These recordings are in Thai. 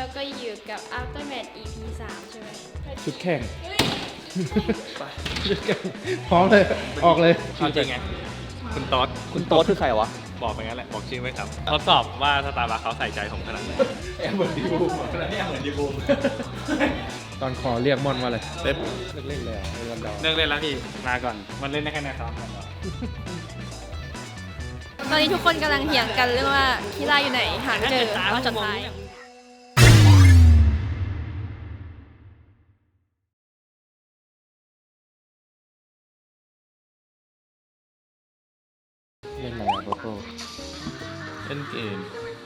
แล้วก็อยู่กับ Aftermath EP 3 ใช่ไหมชุดแข่งชุดแข่งพร้อมเลยออกเลยเอาจริงไงคุณโต๊ดคุณโต๊ดคือใครวะบอกไปงั้นแหละบอกชื่อไม่ครับทดสอบว่าสตาร์บัคเขาใส่ใจผมขนาดไหนแอบเหมือนดีบูมนี่เหมือนดีบูมตอนขอเรียกมอนว่าอะไรเล็บเล่นเลยอ่ะเล่นดาวเลิกเล่นแล้วพี่มาก่อนมันเล่นได้แค่ในซ้อมกันตอนนี้ทุกคนกำลังเถียงกันเรื่องว่าคีร่าอยู่ไหนหาไม่เจอตอนสุดท้ายเล่นอะไรอ่ะโกโก้เล่นเกม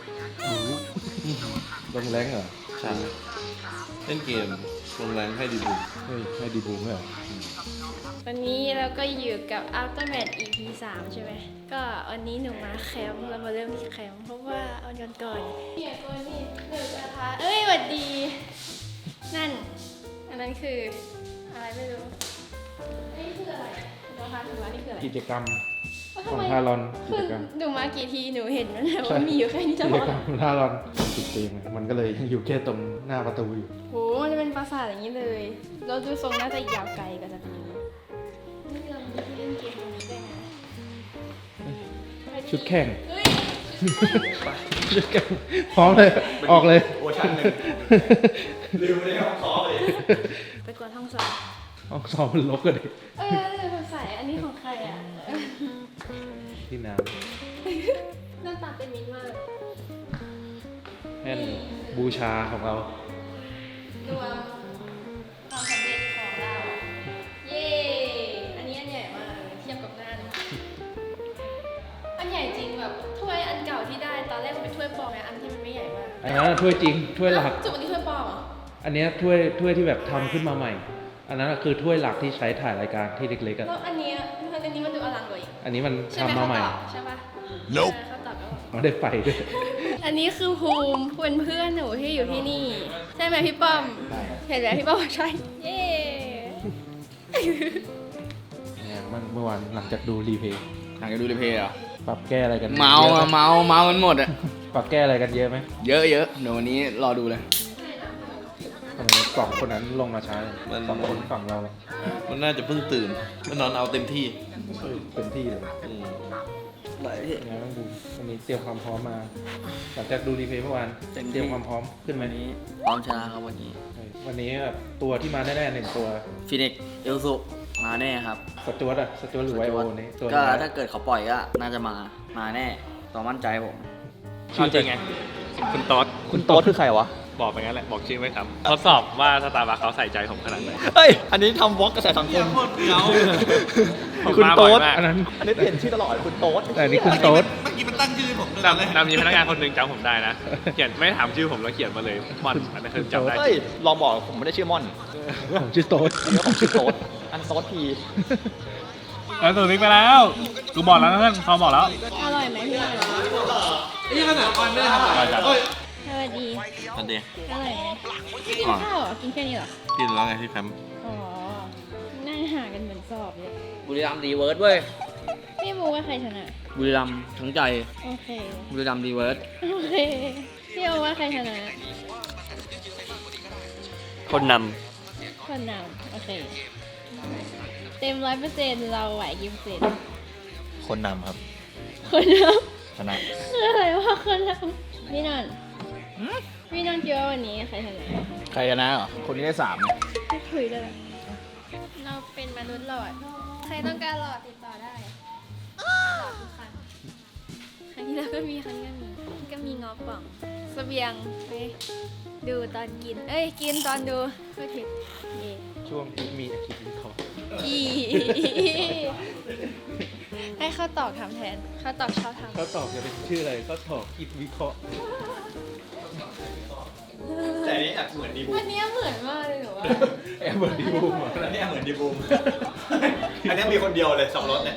ลงแรงเหรอใช่เล่นเกมลงแรงให้ดีบุเฮ้ยให้ดีบูมเหรอวันนี้เราก็อยู่กับ Aftermath EP 3 ใช่ไหมก็วันนี้หนูมาแคมป์เรามาเริ่มที่แคมป์เพราะว่าเอาก่อนเนี่ยตัวนี้หนูจะพาเอ้ยหวัดดี นั่น อันนั้นคืออะไรไม่รู้อันนี้คืออะไรเดี๋ยวพาถึงว่านี่คืออะไรกิจกรรมว่าขทำองไมทารอนกิคือจกรรมหนูมากี่ทีหนูเห็นมันแล้วว่ามีอยู่แค่นี้ตกิลจอดกรรมของทารอนติดเกมไงมันก็เลยอยู่แค่ตรงหน้าประตูอยู่โหมันจะเป็นปราสาทอย่างนี้เลย เราดูทรงน่าจะยาวไกลกว่าจากนี้นี่เรามีที่เล่นเกมตรงนี้ด้วยนะชุดแข่งเฮ้ยชุดแข่งพร้อมเลยออกเลยโอชั่นหนึ่งลืมเลยครับขอเลยไปกวนห้องสอบห้องซ้อมมันลกกันดิสงสัยอันนี้ของใครอ่ะที่น้หน้าตาเป็นมิตรมากำแท่นบูชาของเรารวมความสำเร็จของเรา เย้ อันนี้อันใหญ่มากเลยเทียบกับนั่นอันใหญ่จริงแบบถ้วยอันเก่าที่ได้ตอนแรกมันเป็นถ้วยปลอมไงอันที่มันไม่ใหญ่มากอันนั้นนะถ้วยจริงถ้วยหลักจุดอันนี้ถ้วยปลอมเหรออันเนี้ยถ้วยที่แบบทำขึ้นมาใหม่ อันนั้นคือถ้วยหลักที่ใช้ถ่ายรายการที่เล็กๆอ่ะแล้วอันนี้มันดูอลังกว่าอีกอันนี้มันใช่ไหมทำมาใหม่เขาตอบใช่ปะ Nope เขาตอบแล้วอ๋อได้ไฟด้วยอันนี้คือภูมิเป็นเพื่อนหนูที่อยู่ที่นี่ ใช่ไหมพี่ป้อมใช่เห็นไหมพี่ป้อมใช่ เย้เนี่ยเมื่อวานหลังจากดูรีเพย์หลังจากดูรีเพลย์เหรอปรับแก้อะไรกันเมาอะอะเมากันหมดอะปรับแก้อะไรกันเยอะไหมเยอะเดี๋ยววันนี้รอดูเลยทำไมสองคนนั้นลงมาช้าสองคนฝั่งเรามันน่าจะเพิ่งตื่นมันนอนเอาเต็มที่เต็มที่เลยอืมยังไงบ้างบูมวันนี้เตรียมความพร้อมมาหลังจากดูรีเพย์เมื่อวานเต็มที่เตรียมความพร้อมขึ้นไหมวันนี้พร้อมชนะครับวันนี้วันนี้แบบตัวที่มาแน่ๆหนึ่งตัวฟินิกเอลสุมาแน่ครับสจวตอะสจวตหรือไวโอนี่ตัวก็นี้ถ้าเกิดเขาปล่อยก็น่าจะมาแน่ต่อมั่นใจผมเอาจริงไงคุณโต๊ดคุณโต๊ดคือใครวะบอกไปงั้นแหละบอกชื่อไม่ครับทดสอบว่าสตาร์บัคเขาใส่ใจผมขนาดไหนเฮ้ย อันนี้ทำวอล์กกระแสสังคมผมคุณมาบ่โต๊อยดมากอันนั้นอันนี้เปลี่ยนชื่อตลอดคุณโต๊ดแต่อันนี่คุณโต๊ดเมื่อกี้มันตั้งชื่อผมด้วยนำมีพนักงานคนหนึ่งจำผมได้นะ เขียนไม่ถามชื่อผมแล้วเขียนมาเลยมอนอันนั้นคือจำได้เฮ้ย ลองบอกผมไม่ได้ชื่อม่อนผมชื่อโต๊ดเดี๋ยวผมชื่อโต๊ดอันโต๊ดพีแล้วตัวนี้ไปแล้วกูบอกแล้วนะเพื่อนเขาบอกแล้วอร่อยไหมพี่นี่ขนาดออนได้ทำอะไรจัดสวัสดีอันเดียอร่อยไหมกินข้าวเหรอ กินแค่นี้เหรอกินแล้วไงที่แคมป์อ๋อ นั่งห่างกันเหมือนสอบเลยบุรีรัมย์ดีเวิร์ดเว้ยพี่บูว่าใครชนะบุรีรัมย์ทั้งใจโอเคบุรีรัมย์ดีเวิร์ดโอเค พี่โอว่าใครชนะคนนคนนำโอเค เต็ม100%เราไหวกี่เปอร์เซ็นต์คนนำครับคนนชนะำคืออะไรว่าคนนำพี่นนท์พี่นนท์คิดว่าวันนี้ใครชนะใครชนะเหรอ คนนี้ได้3 ไม่คุยด้วยเราเป็นมนุษย์หลอด ใครต้องการหลอดติดต่อได้หลอดทุกครั้งครั้งที่แล้วก็มีครั้งนี้ก็มีงอป่องเสบียงไปดูตอนกิน เอ้ย กินตอนดูก็ผิดเย่ช่วงที่มีอาคิดวิเคราะห์อีให้ข้าวตอกทำแทนข้าวตอกชอบทำเขาตอบจะเป็นชื่ออะไรเขาตอบคิดวิเคราะห์แต่นี้แอบเหมือนดีบูมอันเนี้ยเหมือนมากเลยหนูว่าแอบเหมือนดีบูมเหรออันนี้เหมือนดีบูม อันนี้มีคนเดียวเลย2 รถเนี่ย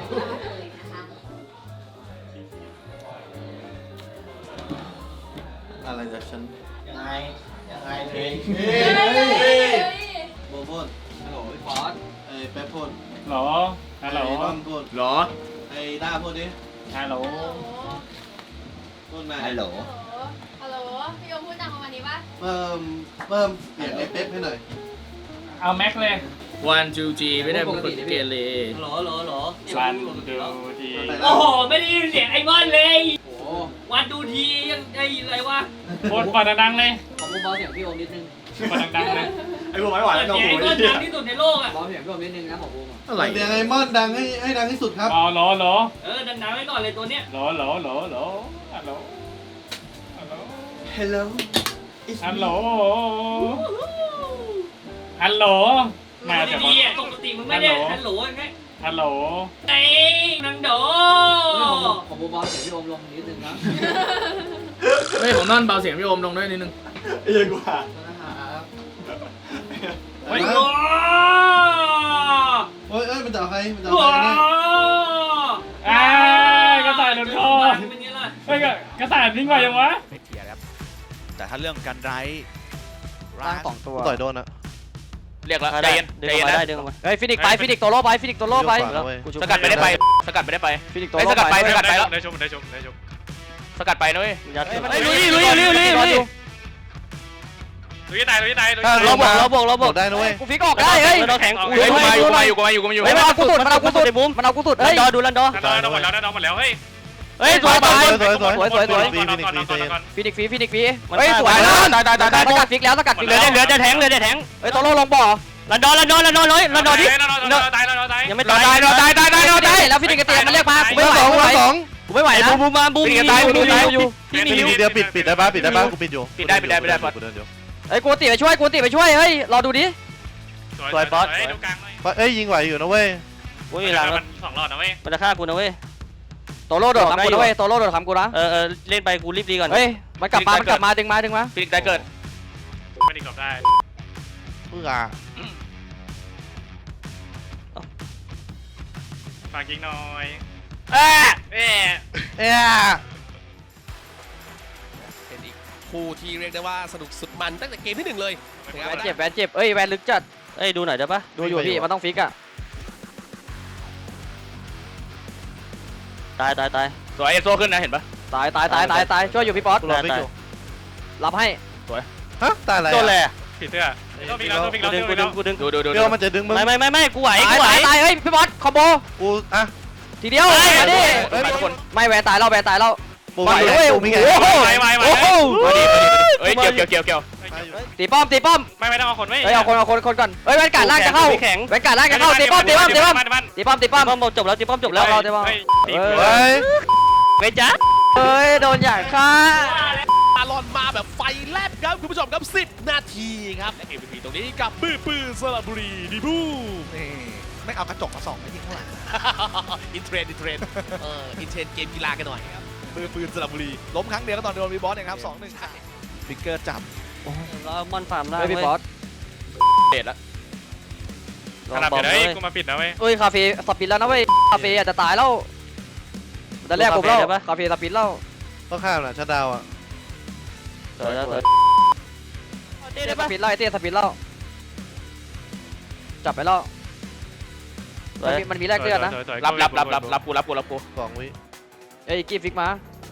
อะไรจากฉันยังไงเพลงโบพูดฮัลโหลพี่ฟอสไอ้แป๊บพูดหรอฮัลโหลไอ้ต้อมพูดหรอไอ้ด้าพูดดิฮัลโหลพูดมาฮัลโหลฮัลโหลพี่โอมพูดดังประมาณนี้ป่ะเพิ่มเปลี่ยนไอ้เป๊ปให้หน่อยเอาแม็กเลยวันจูจีไม่ได้เป็นคนเกเรหรอวันดูทีโอ้โห ไม่ได้ยินเสียงไอ้บอลเลยโอ้วันดูทียังได้ยินอะไรวะโคตรเปิดดังๆเลยขอเบาๆเสียงพี่โอมนิดนึงเปิดดังๆเลยไอ้พวกไม้หวานเปิดกับเสียงหูไอ้บอลดังที่สุดในโลกอ่ะเบาเสียงพี่โอมนิดนึงนะขอโอมอะไรเสียงไอ้มอนดังให้ดังที่สุดครับอ๋อหรอดังๆไว้ก่อนเลยตัวเนี้ยฮัลโหลฮัลโหล Hello มาไม่จากดีอ่ะปกติมึงไม่ได้ฮัลโหลยังไงฮัลโหลไอ้นังโดขอเบาๆเสียงพี่โอมลงนิดนึงนะเฮ้ยผมนอนเบาเสียงพี่โอมลงด้วยนิดนึงไอ้ยังกว่านะครับเฮ้ยเฮ้ยมันจะเอาใครมันจะเอาว้าใครเนี่ยกระต่ายโดนคอเป็นไงล่ะเฮ้ยกระต่ายนิ่งกว่ายังวะไม่เทียร์ครับ แต่ถ้าเรื่องการไร้ตั้งสองตัวต่อยโดนอะเรียกแล้วใจเย็นใจเย็นนะดึงออกมาเฮ้ยฟินิกไปฟินิกตัวโล่ไปฟินิกตัวโล่ไปสกัดไม่ได้ไปสกัดไม่ได้ไปฟินิกตัวไอ้โล่สกัดไปไปสกัดไปแล้วได้ชมสกัดไปนะเว้ยเฮ้ยลุยลุยตายเราบวกได้นะเว้ยกูฟิกออกได้เฮ้ยเราแข็งกูอยู่เฮ้ยมันเอากูสุดมันเอากูสุดเฮ้ยหมดแล้วเฮ้ยเฮ้ยสวยฟินิกฟีเฮ้ยสวยนะสกัดฟิกแล้วสกัดฟิกเหลืแล้อวเหลือจะแทงเฮ้ยตัวโล่ลงบ่อลันดอนดิตายยังไม่ตายแล้วฟินิกกระเตียมันเรียกมากูไม่ไหวกูไม่ไหวนะบูมพี่มีฮิวเดี๋ยวปิดได้ปะกูปิดอยู่ปิดได้กูเดินอยู่เฮ้ยกูตีไปช่วยเฮ้ยรอดูดิดูกลางหน่อยเอ้ยยิงไหวอยู่นะเว้ยกูมีหลังมัน2 หลอดนะเว้ยมันจะฆ่ากูนะเว้ยโตโล่โดดทำกูนะเว้ยโตโล่โดดทำกูนะเล่นไปกูรีบดีก่อนเฮ้ยมันกลับมาดึงมาฟิลิกได้เกิดไม่ได้กลับได้เพื่อฝากยิงหน่อยเอ๊ะเป็นอีกคู่ที่เรียกได้ว่าสนุกสุดมันตั้งแต่เกมที่ 1 เลยแวนเจ็บเอ้ยแวนลึกจัดดูหน่อยได้ปะดูอยู่พี่มันต้องฟิกอ่ะตายสวยเอโซขึ้นนะเห็นปะตายช่วยอยู่พี่ป๊อตกูรอไม่อยู่รับให้ฮะตายอะไรโดนเลยผีเสื้อต้องมีแล้วกูดึงดูเดี๋ยวมันจะดึงมึงไม่กูไหวตายเฮ้ยพี่ป๊อตคอมโบกูอ่ะทีเดียวมาดิไปทุกคนไม่แวนตายแล้วปูไปมีเว้ยปูมีไงโอ้โหไปโอ้โหเฮ้ยเกี่ยวตีป้อมไม่ต้องเอาคนไว้เฮ้ยเอาคนก่อนเฮ้ยแวนการล่างจะเข้าแวนการล่างจะเข้าตีป้อมป้อมจบแล้วตีป้อมจบแล้วเฮ้ยเวจ้าเฮ้ยโดนอย่างฆ่าตาลอนมาแบบไฟแลบครับคุณผู้ชมครับ10 นาทีครับและ MVP ตรงนี้กับปื้อสระบุรีดีบูนี่ไม่เอากระจกมาส่องไม่ทิ้งข้างหลัง อินเทรนด์อินเทรนด์เกมกีฬากันหน่อยครับปื้อสระบุรีล้มครั้งเดียวก็ตอนโดนวีบอสเองครับ 2-1ครับฟิกเกอร์จับเรามอนฟาร์มล่างเฮ้ยพี่ป๊อตเด็ดละขนาดเดี๋ยวให้กูมาปิดนะเว้ยเฮ้ยคาเฟ่สปินแล้วนะเว้ยคาเฟ่อาจจะตายแล้วแต่แรกผมเล่าคาเฟ่สปินแล้วต้องข้ามนะชัดดาวอ่ะสวยสปินไล่เตี้ยสปินแล้วจับไปแล้วมันมีแรกเลือดนะรับกู 2 วิเอ้ยกีฟิกมา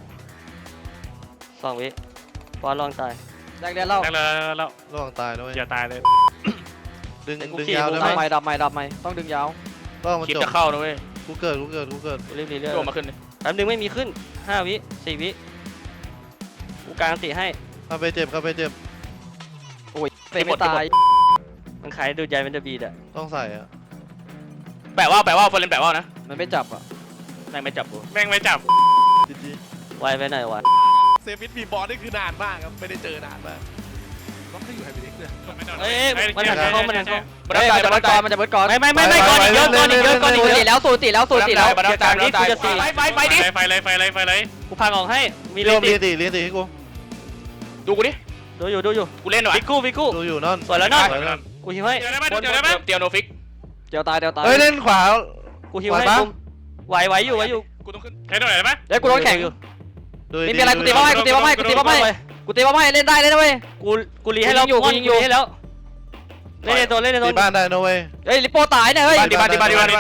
2 วิปอนลองตายแรกเลือดแล้วแล้วระวังตายนะเว้ยอย่าตายเลยดึงยาวได้ไหมดับไม่ต้องดึงยาวก็มันคลิปจบจะเข้านะเว้ยกูเกิดกูรีบเรื่อยๆโดนมาขึ้นเลยแป๊บนึงไม่มีขึ้น5 วิ 4 วิกูกลางตีให้เข้าไปเจ็บโอ้ยเฟไม่ตายมันขายดูใจมันจะบีดอะต้องใส่อ่ะแปะว่าเฟรนแปะว่านะมันไม่จับอ่ะแม่งไม่จับกูแม่งไม่จับจีไวไปหน่อยวะเซฟิตบีบอสนี่คือนานมากครับไม่ได้เจอนานมากล็อกให้อยู่ไฮบิลิกเลยมันหันเข้ามันจะเบิร์ดก่อนไม่ก่อนอีกเยอะสูติแล้วเกี่ยวกับนี้กูจะตีไปดิไฟเลยกูพังออกให้มีเรีเล่ยนนตีให้กูดูกูดิดูอยู่กูเล่นหน่อยฟิกูดูอยู่นั่นสวยแล้วนั่นกูฮิวให้เตียวโนฟิกเดี๋ยวตายเฮ้ยเล่นขวากูฮิวให้กุมไหวอยู่กูต้องขึ้นใช้หน่อยได้ไหมเฮ้ยกูโดนแข่งอยู่มีอะไรกูตีป้อมให้เล่นได้เลยนะเว้ยกูรีให้แล้วกูยิงอยู่ให้แล้วเล่นตัวตีบ้านได้นะเว้ยเฮ้ยลิปโป้ตายเนี่ยเฮ้ยบ้านบ้าน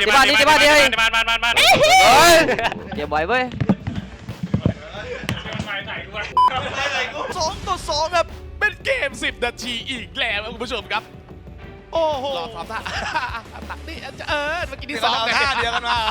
เฮ้ยเก็บไว้เว้ย 2-2ครับเป็นเกเกม 10 นาทีอีกแล้วครับคุณผู้ชมครับ โอ้โหรอซ้อมท่าตักนี่เมื่อกี้ที่ซ้อมท่าเดียวกันมา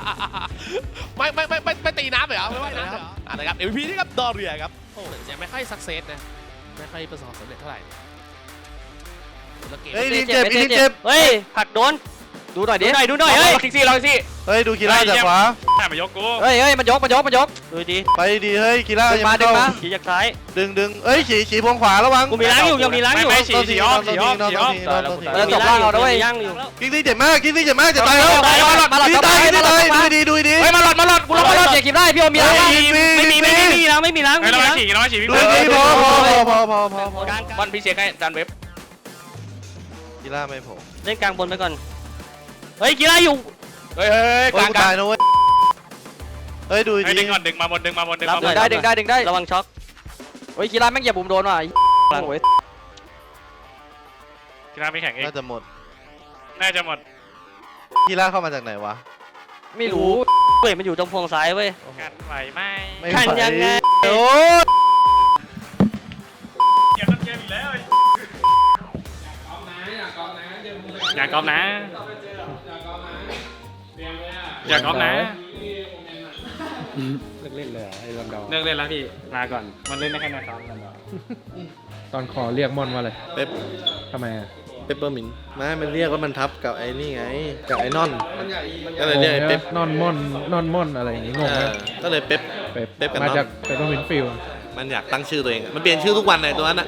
ไม่ตีน้ำเลยเหรอไม่ว่ายน้ำเหรอนะครับ MVP นี่ครับดอเรียครับโอ้จะไม่ค่อยสักเซสนะไม่ค่อยประสบความสำเร็จเท่าไหร่แล้วเกมเฮ้ยลินเจ็บลินเจ็บเฮ้ยหักโดนดูหน่อยดิดูหน่อยเฮ้ยคิกซี่ลองสิเฮ้ยดูกีฬาจากขวาแม่มายกกูเฮ้ยมันยกดูดีไปดีเฮ้ยกีฬาดึงมาดึงมาขี่จากซ้ายดึงเอ้ยฉีพวงขวาระวังกูมีล้างอยู่ยังมีล้างอยู่ไม่ฉีอ้อมฉีอ้อมแล้วตบล่างเราด้วยย่างอยู่กิ๊กซี่เจ็บมากจะตายแล้วมาหลอดตายดูดีเฮ้ยมาหลอดกูรับมาหลอดเจ็บกินได้พี่โอมีล้างไม่มีล้างไม่ต้องฉีน้องฉีพี่ดูดีพอกลางบอลพี่เช็คให้ดันเว็บกีฬาไม่ผมเล่นกลางบนไปก่อนเฮ้ยกีฬาอยู่เฮ้ยกลางตายนะเว้ยเฮ้ยดูให้ดีดึงก่อนดึงมาบนดึงมาดึงได้ระวังช็อกเฮ้ยกีฬาแม่งเหยียบผมโดนว่ะกีฬาไม่แข่งเองน่าจะหมดน่าจะหมดกีฬาเข้ามาจากไหนวะไม่รู้เว้ยมันอยู่ตรงพวงซ้ายเว้ยกันไหวไหมขันยังไงโอ้เกมต้นเกมอีกแล้วอย่ากอมนะอย่ากอมนะเลิกเล่นเลยเหรอไอ้ลอนดอนเลิกเล่นแล้วพี่ลาก่อนมันเล่นได้แค่ในซ้อมลอนดอนตอนขอเรียกมอนว่าอะไรเป๊ปทำไมอ่ะเปปเปอร์มินไม่มันเรียกว่ามันทับกับไอ้นี่ไงกับไอ้นอนก็เลยเรียกไอ้เป๊ปนอนม่อนอะไรอย่างงี้งงไหมก็เลยเป๊ปเป๊ปเป๊ปกับมาน้องจากเปปเปอร์มินต์ฟิลด์มันอยากตั้งชื่อตัวเองมันเปลี่ยนชื่อทุกวันในตัวนั้นอ่ะ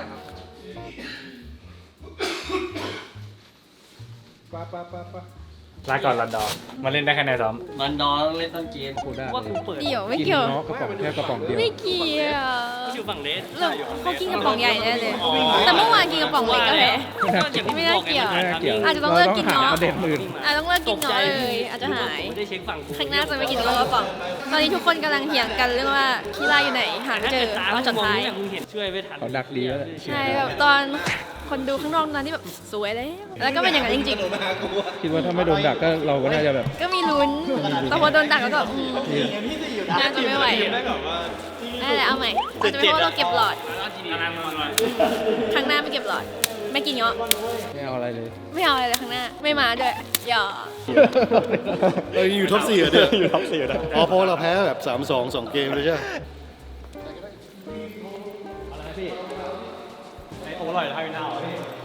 ลาก่อนลอนดอนมาเล่นได้แค่ในซ้อมมันดอนเล่นต้นเกมกูได้ว่ากูเปิดเดี๋ยวไม่กินเกี่ยวเนาะกระป๋องแค่กระป๋องเดียวไม่เกี่ยวอยู่ฝั่งเลสเราเขากินกระป๋องใหญ่แน่เลย แต่เมื่อวานกินกระป๋องเล็กก็แพ้ ไม่น่าเกี่ยวไม่น่าเกี่ยวอาจจะต้องเลิกกินราเนาะหาประเด็นอื่นต้องเลิกกินเนาะเลยอาจจะหายไม่ได้เช็คฝั่งกูข้างหน้าจะไม่กินกระป๋องตอนนี้ทุกคนกำลังเถียงกันเรื่องว่าคีร่าอยู่ไหนหาไม่เจอตอนสุดท้ายมึงเห็นช่วยไม่ทันเขาดักดีแล้วแหละใช่แบบตอนคนดูข้างนอกนั้นที่แบบสวยเลยแล้วก็เป็นอย่างนั้นจริงคิดว่าถ้าไม่โดนดักก็เราก็น่าจะแบบๆ ก็มีลุ้น แต่พอโดนดักแล้วก็น่าจะไม่ไหวนั่นแหละเอาใหม่อาจจะเป็นเพราะเราเก็บหลอด ครั้งหน้าไม่เก็บหลอด ไม่กินเงาะไม่เอาอะไรเลยไม่เอาอะไรเลยข้างหน้า ไม่มาด้วยอย่าอยู่ท็อป4เดืออยู่ท็อป4นะเพราะเราแพ้แบบ 3-2 2 เกมเลยใช่ไหมโอ้อร่อยแล้วให้หน้า